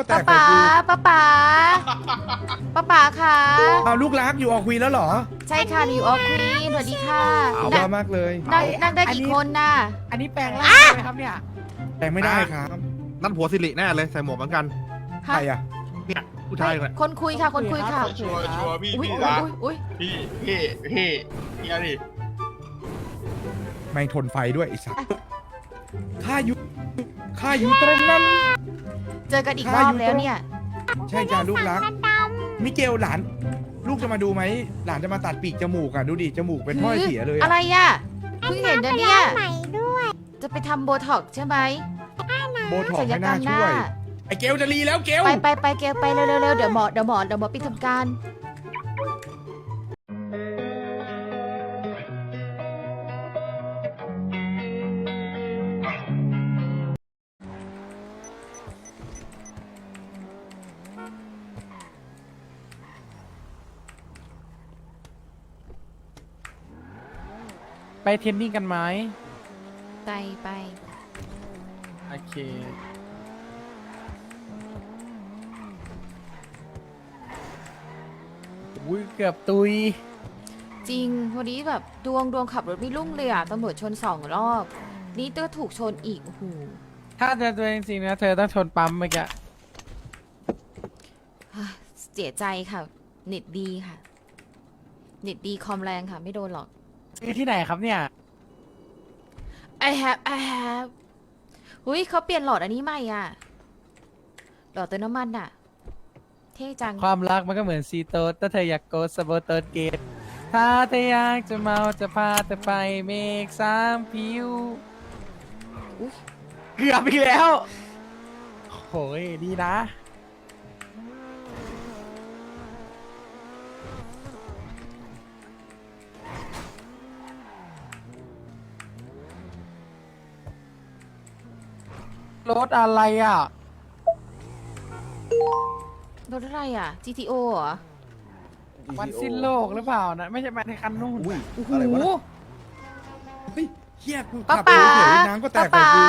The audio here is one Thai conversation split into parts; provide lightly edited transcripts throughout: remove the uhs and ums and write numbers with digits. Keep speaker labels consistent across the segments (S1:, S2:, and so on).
S1: ก็แต
S2: ป้าก
S1: ใส่
S2: ป๋า
S1: กู
S2: ป้าป๋าป้าป๋าค่ะ
S1: เอาลูกรักอยู่ออกวีแล้วเหรอ
S2: ใช่ค่ะนิวออร์ควีนสวัสดีค่ะ
S1: เอา
S2: นั่ง
S1: มากเลย
S2: นั่งได้กี่คนน่ะ
S3: อันนี้แปลงร่างใช่ไหมครับเนี่ย
S1: แต่งไม่ได้ครับ
S4: นั่นผัวสิริแน่เลยใส่หมวกเหมือนกัน
S1: ใครอ่ะ
S4: เนี่ยผู้ชายเลย
S2: คนคุยค่ะ คนคุยค่ะ
S5: ชัวร์ชัวร์พี่
S2: อุ้ย
S5: พี่
S2: อุ้
S5: รั
S2: ย
S5: ก
S2: อุ้ย
S5: พี่เอาดิ
S1: ไม่งทนไฟด้วยไอ้สัสข้าอยู่ตรงนั้น
S2: เจอกันอีกรอบแล้วเนี่ย
S1: ใช่จ้าลูกรัก มิเกลหลาน ลูกจะมาดูไหม หลานจะมาตัดปีกจมูกอ่ะ ดูดิ จมูกเป็นถ้อยเสียเลย
S2: อะไร
S1: อะ
S2: อ่ะเพิ่งเห็นนะเนี่ย
S6: ใหม่ด้วย
S2: จะไปทำโบท็อกซ์ใช่ไหม
S1: โบท็อก
S2: ศั
S1: ซ์
S2: ลย
S1: ไม่
S2: กรร
S1: น่าม
S2: ห
S1: ช่
S2: น้า
S1: วย ไอ้เกลจะรีแล้วเกล
S2: ไปเกลไปเร็วเดี๋ยวหมอปิดทำการ
S3: ไปเทรนนิ่งกันไหม
S2: ไป
S3: โอเคอุ้ยเกือบตุย
S2: จริงวันนี้แบบดวงขับรถไม่รุ่งเลยอ่ะตำรวจชน2 รอบ นี่ก็ถูกชนอีกโอ้โห
S3: ถ้าเธอตัวจริงๆนะเธอต้องชนปั๊มเมื่อกี้
S2: เสียใจค่ะ เน็ตดีค่ะ เน็ตดีคอมแรงค่ะ ไม่โดนหรอก
S3: ซื้อที่ไหนครับเนี่ย
S2: I have หุ้ยเขาเปลี่ยนหลอดอันนี้ใหม่อ่ะ หลอดเติมน้ำมันอ่ะ เท่จัง
S3: ความรักมันก็เหมือนซีโตสถ้าเธออยากโกสโบเติร์ดเกตถ้าเธออยากจะเมาจะพาเธอไปเมฆสามผิว
S2: อุ๊ย
S3: เกือบอีกแล้วโหยดีนะ รถอะไรอ่ะ
S2: รถอะไรอ่ะ GTO เหรอ
S3: วันสิ้นโลกหรือเปล่านะ ไม่ใช่มาในคันนู่น
S1: อุ้ย
S2: โอ้โห
S1: อะไรวะน่ะเฮ้ยเฮียกู
S2: ป้า
S1: ขับไป
S2: ป๋า
S1: เฉยๆน้ำก็แต
S2: ป้าก
S1: ใส่
S2: ป๋า
S1: กู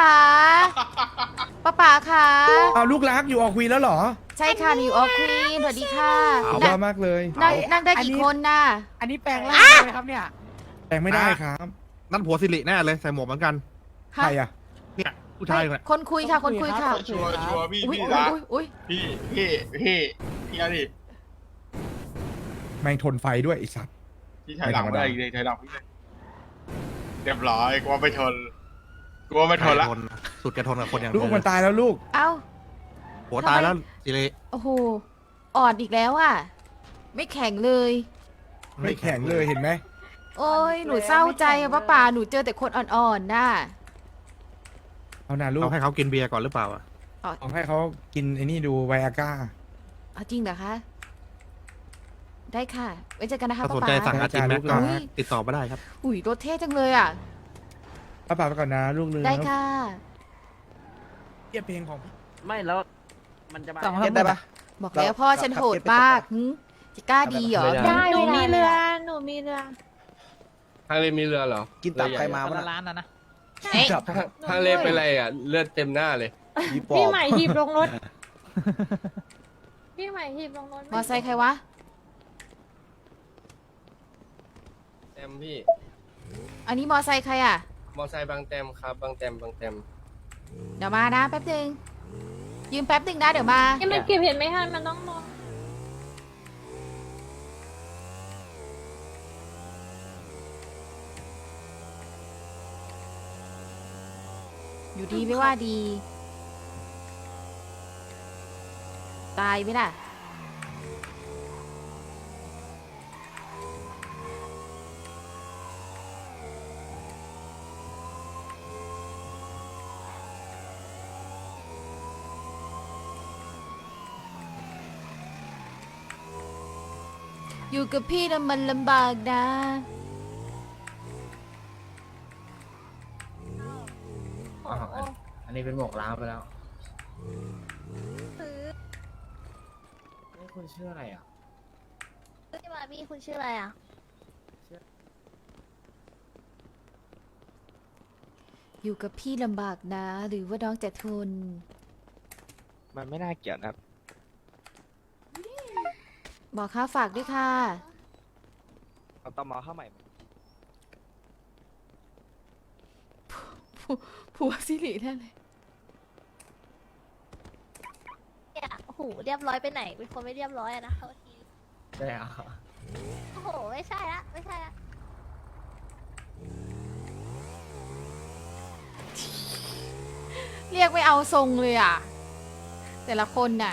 S2: ป้าค่ะ
S1: เอาลูกรักอยู่ออกวีแล้วเหรอ
S2: ใช่ค่ะนิวออร์ควีนสวัสดีค่ะ
S1: เอา
S2: นั่ง
S1: มากเลย
S2: นั่งได้กี่คนน่ะ
S3: อันนี้แปลงร่างใช่ไหมครับเนี่ย
S1: แต่งไม่ได้ครับ
S4: นั่นผัวสิริแน่เลยใส่หมวกเหมือนกัน
S1: ใครอ่ะ
S4: เนี่ยผู้ชายเลย
S2: คนคุยค่ะ คนคุยค่ะ
S5: ชัวร์ชัวร์พี่
S2: อุ้ย
S5: พี่รัก
S2: อุ้ย
S5: พี่เอาดิ
S1: แม่งทนไฟด้วยไอ้สัส
S5: พี่ถอยหลังไม่ได้อีกเลยถอยหลังพี่เลยเรียบร้อยกลัวไม่ทนละ
S4: สุดแกทนกับคนอย่าง
S1: ลูกมันตายแล้วลูก
S2: เอ้า
S4: ผัวตายแล้วสิริ
S2: โอ้โห อ่อนอีกแล้วอ่ะ ไม่แข็งเลย
S1: ไม่แข็งเลยเห็นไหม
S2: โอ้ย หนูเศร้าใจอะป้าป่า หนูเจอแต่คนอ่อนๆน่ะ
S1: เอาหน่าลูก
S4: เอาให้เขากินเบียร์ก่อนหรือเปล่าอะ
S1: เอาให้เขากินไอ้นี่ดูไวอาก้า
S2: เอาจริงเหรอคะ ได้ค่ะ ไว้เจอกันนะคะ
S4: ถ้า
S2: ป้า
S4: สน
S2: ป่า
S4: ใจสั่งอาจินแม็กก็
S2: อุ๊ย
S4: ติดต่อมาได้ครับ
S2: อุ้ยรถเท่จังเลยอ่ะ
S1: ป้าป่าไปก่อนนะลูกเลย
S2: ได้ค่ะ
S1: เทียบเพลงของพี่
S7: ไม่แล้วมันจะมา
S3: สั่ง
S7: เก็ตได้ปะ
S2: บอกแล้วพ่อฉันโหดมากหึจะกล้าดีเหรอ
S7: ไม่ได้
S6: หนูมีเรือ หนูมีเรือ
S8: ทางเลมีเรือเหรอ
S7: กินตับใครมา
S3: คน
S7: วะ
S3: ละ
S7: น่ะ
S3: ร้านนะ
S2: เอ๊ะ
S8: ทางเลเป็นไรอ่ะ เลือดเต็มหน้าเลย
S7: พี่ปอ
S6: พี่
S7: บ
S6: ใหม่หีบลงรถ พี่ใหม่หีบลงรถ
S2: มอไซค์ใครวะ
S8: แต้มพี่
S2: อันนี้มอไซค์ใครอ่ะ
S8: มอไซค์บางแต้มครับ บางแต้มบางแต้ม
S2: เดี๋ยวมานะแป๊บนึง ยืมแป๊บนึงนะเดี๋ยวมา
S6: ยังมันเก็บเห็นไหมทันมันต้องมอง
S2: อยู่ดีไม่ว่าดี ตายไหมล่ะ อยู่กับพี่แล้วมันลำบากนะ
S7: อันนี้เป็นหมวกล้าวไปแล้วนี่คุณชื่ออะไรอ่ะ
S6: พี่บาร์บี้คุณชื่ออะไรอ่ะ
S2: อยู่กับพี่ลำบากนะ หรือว่าน้องจะทน
S3: มันไม่น่าเกี่ยวนะครับ
S2: บอกค่ะฝากด้วยค่ะ
S3: เอาตอมอเข้าใหม่
S2: ผัวสิริแน่เลย
S6: เนี่ยโอ้โหเรียบร้อยไปไหนเป็นคนไม่เรียบร้อยอะนะโทษที
S7: ได้อะ
S6: โอ้โหไม่ใช่ละไม่ใช่ละ
S2: เรียกไม่เอาทรงเลยอ่ะ แต่ละคนน่ะ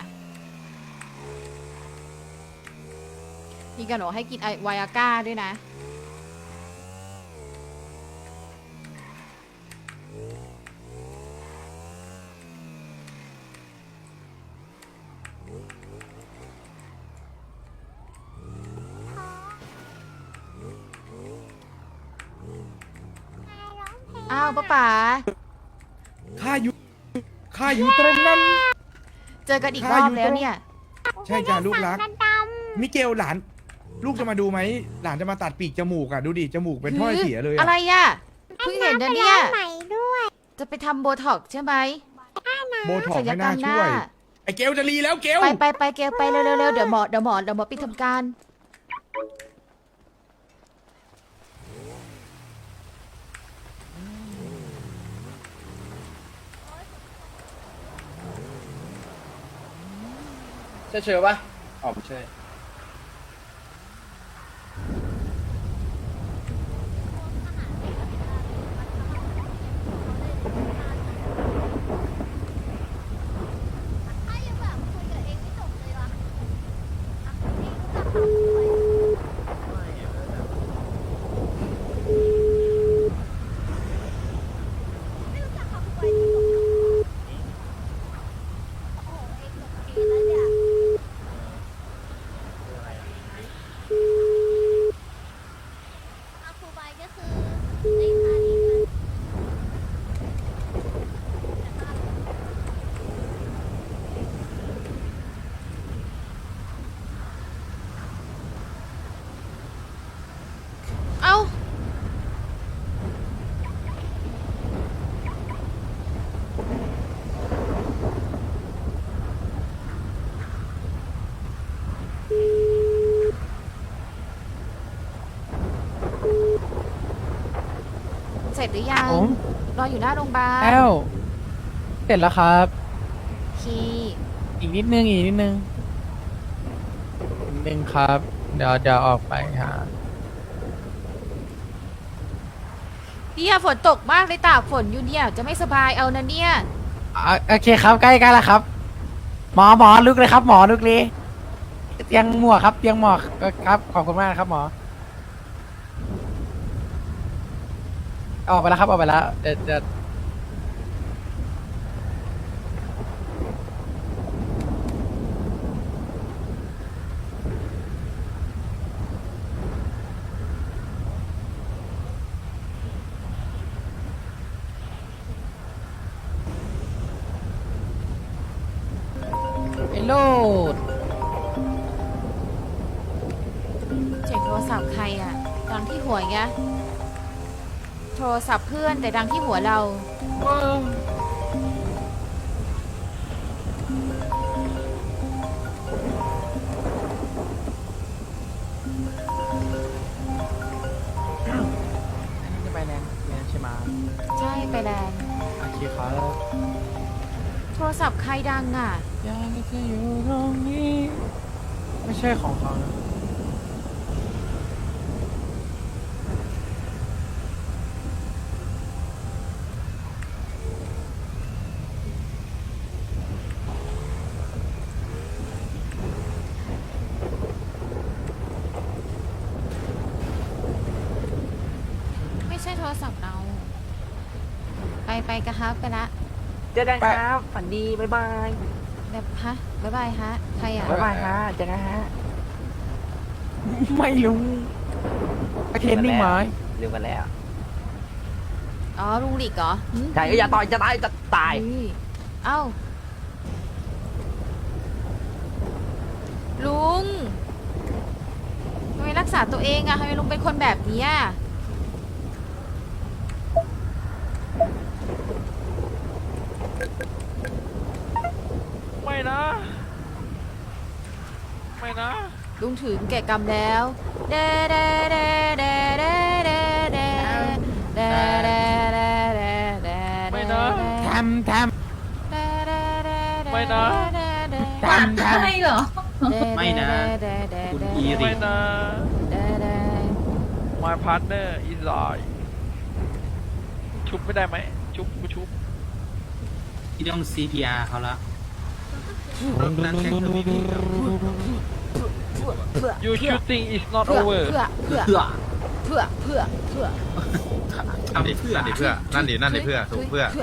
S2: มีกันบอกให้กินไวอาก้าด้วยนะ อ้าวป้าป๋า
S1: ข้าอยู่ตรงนั้น
S2: เจอกันอีกรอบแล้วเนี่ย
S1: ใช่จ้าลูกรัก มิเกลหลาน ลูกจะมาดูไหม หลานจะมาตัดปีกจมูกอ่ะ ดูดิ จมูกเป็นถ้อยเสียเลย
S2: อะ
S1: อ่ะ
S2: ไรอ่ะ เพิ่งเห็นนะเนี่ย
S6: ใหม่ด้วย
S2: จะไปทำโบท็อกซ์ใช่ไหม
S1: โบท็อก
S2: ศั
S1: ซ์
S2: ลย
S1: ไม่
S2: กร
S1: น่าร
S2: มห
S1: ช่
S2: น้า
S1: วย ไอ้เกลจะรีแล้วเกล
S2: ไปเกลไปเร็วๆเดี๋ยวหมอปิดทำการ
S8: ใช่เชื่อปะอ๋อไม่ใช่
S6: ถ้ายังแบบคุยกับเองไม่จบเลยวะอ่ะเองรู้จักคำคุยไม่รู้จักคำคุยจริงเหรอโอ้โหเองจบเองแล้วเนี่ยอาคูบายก็คือในท่านี้มันแต่ท่า
S2: เอ้า เสร็จหรือยัง
S3: ผม
S2: รออยู่หน้าโรงพยาบาล
S3: แอลเสร็จแล้วครับ
S2: คี
S3: อีกนิดนึงครับ เดี๋ยวออกไปฮะ
S2: เนี่ยฝนตกมากเลยตากฝนอยู่เนี่ย จะไม่สบายเอานะเนี่ย
S3: โอเคครับใกล้แล้วครับ หมอลุกเลยครับ หมอลุกเลยเตียงหมวกครับเตียงหมวกครับขอบคุณมากครับหมอออกไปแล้วครับออกไปแล้วเดี๋ยวไอ้โลด
S2: เช็คโทรศัพท์ใครอ่ะ ดังที่หัวแกโทรศัพท์เพื่อนแต่ดังที่หัวเรา
S3: อันนี้จะไปแรงใช่ไหม
S2: ใช่ไปแลนด์
S3: โอเคครับ
S2: โทรศัพท์ใครดังอ่ะ
S3: อยากจะอยู่ตรงนี้ ไม่ใช่ของเขานะ
S2: ไม่ใช่โทรศัพท์เรา ไปกันครับไปละ
S3: เจอกันครับ ฝันดี บ๊ายบาย
S2: แบบฮะบ๊ายบายฮะ ใครอ่ะ
S3: บ๊ายบายฮะเจอกันฮะ ไม่รู้ไปเทรนนิ่งไหม
S7: ลืมกันแล้ว
S2: อ๋อลุงหลิกเหรอหึ
S7: ใช่อย่าต่อยจะตายจะตาย
S2: อุ้ยเอ้า ลุงทำไมรักษาตัวเองอะทำไมลุงเป็นคนแบบนี้อะ
S3: ไม่
S9: ไม่นะ
S2: ลุงถึงแก่กรรมแล้วเดเดเดเดเดเดเดเดเดเดเดเด
S9: ไม่นะ
S3: แทม
S9: ไม่นะ
S6: ไม่เหรอ
S2: ไม่นะคุณอีริ
S9: ไม่นะ My partner is alive ชุบไม่ได้ไหมชุบกูชุบ
S7: ที่ต้อง CPR เขาละ
S9: You shooting is not
S2: เพื่อ
S9: over
S2: เพื่อเพื่อเพื่อเพื่อ
S4: นั่นดิเพื่อนั่นดิเพื่อถูกเพื่อ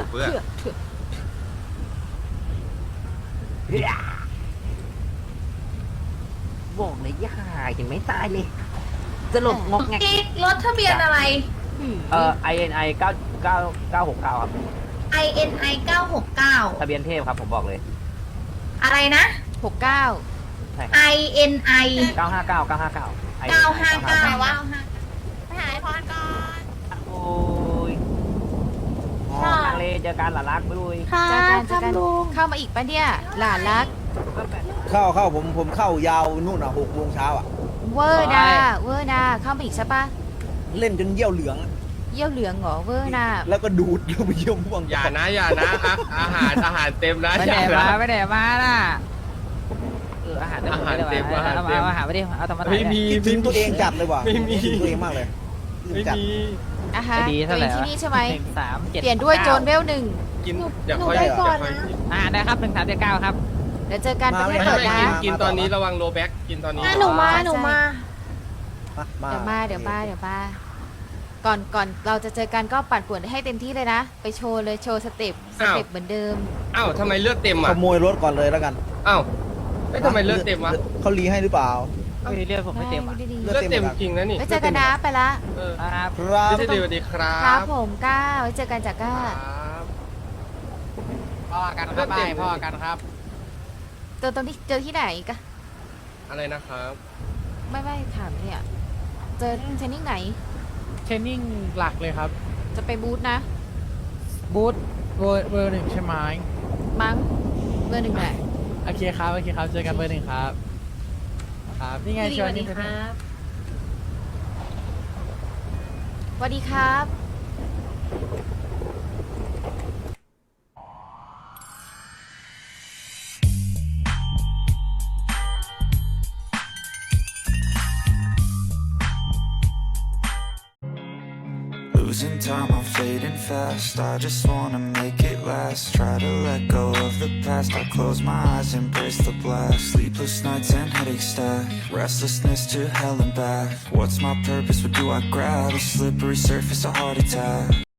S7: บอกเลยย่าเห็นไหมตายเลยสลบงอกแงก
S6: รถทะเบียนอะไร
S7: INI 9969ครับ
S6: INI 969
S7: ทะเบียนเทพครับผมบอกเลย
S6: อะไรนะ
S2: 69
S7: ใช่ครับ
S6: INI
S7: 959
S6: 959วะไปหาไอพรก่อน
S7: โอ้ยทางเลเจอกันหลานรักไปด้วย
S6: ค่ะ
S2: เจอกันเข้ามาอีกปะเนี่ยหลานรัก
S8: เข้าผมเข้ายาวนู่นอ่ะ6 โมงเช้าอ่ะ
S2: เวอร์นาเข้ามาอีกใช่ปะ
S8: เล่นจนเยี่ยวเหลือง
S2: เยี่ยวเหลืองเหรอเวอร์นา
S8: แล้วก็ดูดแล้วไปเยี่ยวม่วง
S5: อย่านะอาหารเต็มนะ
S3: ไม่ได้มาไม่ได้มาน่ะ
S7: อาหาร
S5: อาหารเต็ม
S3: เอาหาไปดิเอาธรรมะ
S5: ไม่มี
S8: คิดถึงตัวเองจัดเลยว่ะ
S5: ไม่มี
S8: คิดถึงตัวเองมากเลย
S5: ไม่มี
S2: อ่ะฮะ
S3: ดี
S2: ตัว
S3: เท่า
S2: เอ
S3: ไหร่
S2: งที่นี่ใช่ไหม
S3: 137
S2: เปลี่ยนด้วยโจรเวล 1
S5: กินอย่าค่อย
S8: ได้ก่อน
S3: อ่าได้ครับ1379ครับ
S2: เดี๋ยวเจอกันประเทศ
S8: ไม่
S2: เปิดนะ
S5: กินตอนนี้ระวังโลแบ็กกินตอนนี้
S6: หนูมา
S2: เดี๋ยวมา
S8: เดี๋ยว
S2: ก่อนเราจะเจอกันก็ปั่นป่วนให้เต็มที่เลยนะ ไปโชว์เลยโชว์สเต็ปเหมือนเดิม
S5: อ้าวทำไมเลือดเต็ม
S8: ข
S5: อ่ะ
S8: โมยรถก่อนเลยแล้วกัน
S5: อ้าวไม่ทำไมเลือดเต็มวะ
S8: เขารีให้หรือเปล่า
S3: ไม่ได้เรียกผมไม่เต็มอ่ะ
S2: ดี
S8: เลื
S5: เลื
S8: อ
S5: อ
S8: ด
S5: ด
S8: เต็
S5: เต็
S8: ม
S5: ม
S8: ครับ
S5: จริงนะนี่
S2: ไว้เจอกันนะไปละ
S5: เออ
S3: ครับ
S8: ครับ
S5: พี่สวัสดีครับ
S2: ครับผมก้าไว้เจอกันจากก้า
S5: ครับ
S3: พ่อกันครับไปพ่อกันครับ
S2: เจอตรงที่เจอที่ไหนกะ
S5: อะไรนะครับ
S2: ไม่ถามเนี่ย เจอเทรนนิ่งไหน
S3: เทรนนิ่งหลักเลยครับ
S2: จะไปบูธนะ
S3: บูธเบอร์ 1ใช่ไหม
S2: มั้งเบอร์ 1แหละ
S3: โอเคครับเจอกันเบอร์ 1ครับครับนี่ไงชวนนี่
S2: สวัสดีครับ
S10: Losing time, I'm fading fast. I just wanna make it last. Try to let go of the past. I close my eyes, embrace the blast. Sleepless nights and headaches stack. Restlessness to hell and back. What's my purpose? What do I grab? A slippery surface, a heart attack.